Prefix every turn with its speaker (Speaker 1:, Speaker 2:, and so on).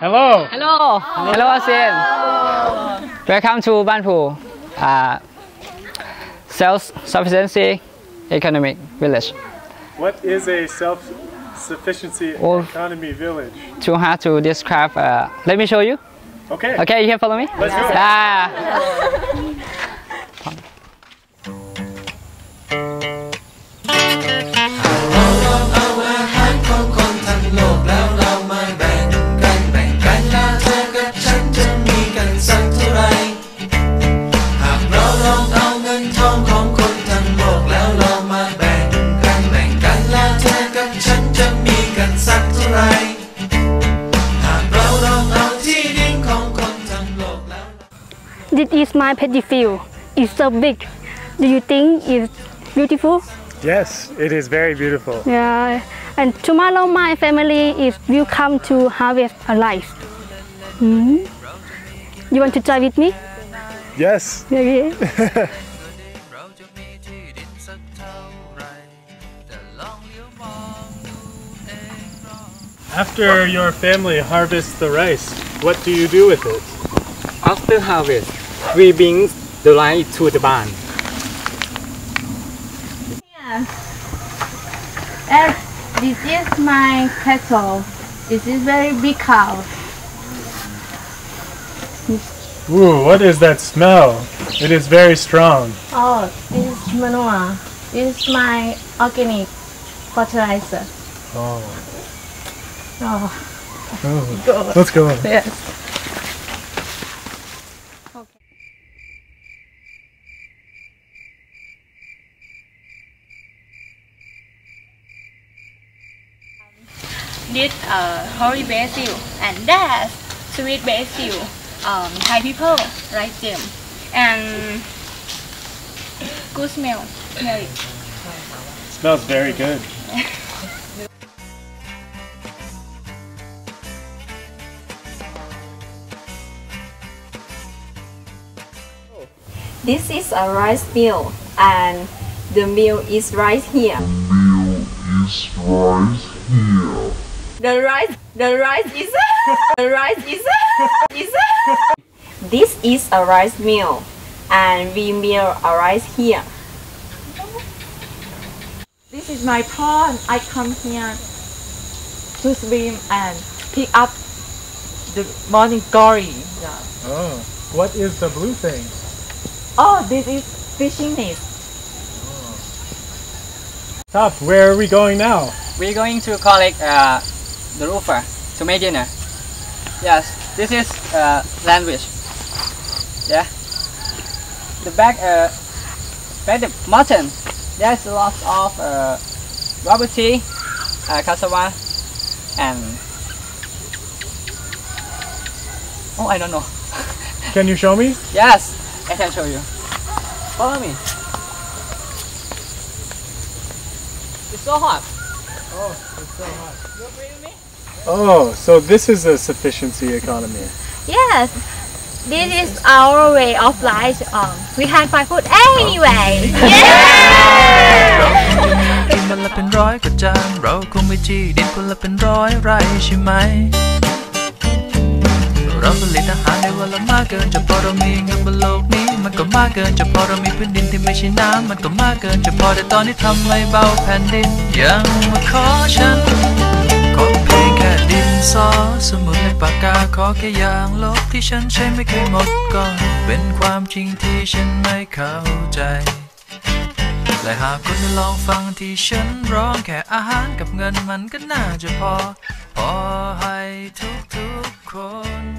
Speaker 1: Hello.
Speaker 2: Hello. Hello, ASEAN. Welcome to Banpu, self-sufficiency economic village.
Speaker 1: What is a self-sufficiency economy village?
Speaker 2: Too hard to describe. Let me show you.
Speaker 1: Okay.
Speaker 2: Okay, you can follow me.
Speaker 1: Let's go.
Speaker 3: This is my paddy field. It's so big. Do you think it's beautiful?
Speaker 1: Yes, it is very beautiful.
Speaker 3: Yeah. And tomorrow my family will come to harvest a rice. You want to try with me?
Speaker 1: Yes.
Speaker 3: Okay.
Speaker 1: After your family harvests the rice, what do you do with it?
Speaker 2: After harvest, we bring the rice to the barn.
Speaker 4: And this is my cattle. This is very big cow.
Speaker 1: Ooh, what is that smell? It is very strong.
Speaker 4: Oh, this is manure. This is my organic fertilizer.
Speaker 1: Oh.
Speaker 4: Oh.
Speaker 1: Let's go.
Speaker 4: Yes.
Speaker 5: This holy basil and that's sweet basil. Thai people like them and good smell. Smell it.
Speaker 1: Smells very good.
Speaker 6: This is a rice mill, and the mill is right here. The rice is This is a rice mill, and we mill a rice here.
Speaker 4: This is my pond. I come here to swim and pick up the morning glory. Yeah.
Speaker 1: Oh, what is the blue thing?
Speaker 4: Oh, this is fishing net.
Speaker 1: Top, where are we going now?
Speaker 2: We're going to collect the roofer to make dinner. Yes, this is sandwich. Yeah. The back the mutton. There's lots of rubber tea, cassava, and oh, I don't know.
Speaker 1: Can you show me?
Speaker 2: Yes, I can show you. Follow me. It's so hot.
Speaker 1: Oh, it's so hot.
Speaker 2: You agree with me?
Speaker 1: Oh, so this is a sufficiency economy.
Speaker 4: Yes, this is our way of life. We can find food anyway.
Speaker 7: กินมันละเป็นร้อยกว่าจานเราคงไม่ที่ดินคนละเป็นร้อยไร่ใช่ไหมเราผลิตอาหารในวันละมากเกินจะพอเรามีเงินบนโลกนี้มันก็มากเกินจะพอเรามีพื้นดินที่ไม่ใช่น้ำมันก็มากเกินจะพอแต่ตอนนี้ทำไม่เบาแผ่นดินยังมาขอฉันขอเพียงแค่ดินสอสมุดและปากกาขอแค่อย่างลบที่ฉันใช้ไม่เคยหมดก็เป็นความจริงที่ฉันไม่เข้าใจและหากคุณได้ลองฟังที่ฉันร้องแค่อาหารกับเงินมันก็น่าจะพอให้ทุกๆคน